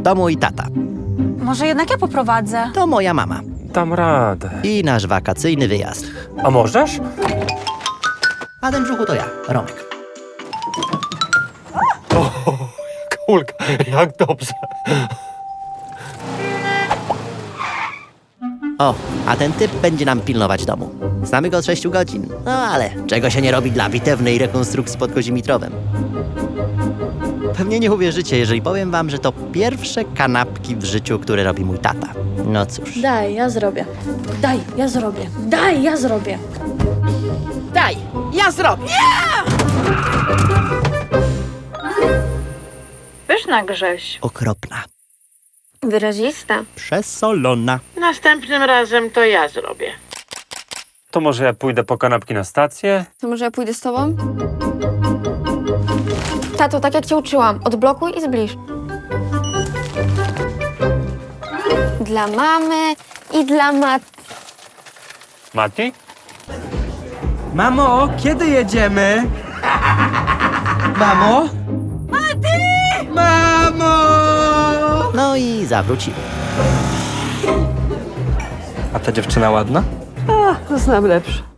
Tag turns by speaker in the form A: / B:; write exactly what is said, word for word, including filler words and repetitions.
A: To mój tata.
B: Może jednak ja poprowadzę.
A: To moja mama.
C: Dam radę.
A: I nasz wakacyjny wyjazd.
C: A możesz?
A: A ten brzuchu to ja, Romek.
C: Kulka, jak dobrze.
A: O, a ten typ będzie nam pilnować domu. Znamy go od sześciu godzin. No ale czego się nie robi dla bitewnej rekonstrukcji pod Kozimitrowem. Pewnie nie uwierzycie, jeżeli powiem wam, że to pierwsze kanapki w życiu, które robi mój tata. No cóż.
D: Daj, ja zrobię. Daj, ja zrobię. Daj, ja zrobię.
E: Daj, ja zrobię.
B: Pyszna, Grześ.
A: Okropna.
D: Wyrazista.
A: Przesolona.
E: Następnym razem to ja zrobię.
C: To może ja pójdę po kanapki na stację?
D: To może ja pójdę z tobą? Tato, tak jak cię uczyłam, odblokuj i zbliż. Dla mamy i dla mat.
C: Mati?
F: Mamo, kiedy jedziemy? Mamo? Mati! Mamo!
A: No i zawrócimy.
F: A ta dziewczyna ładna?
E: Znam lepsze.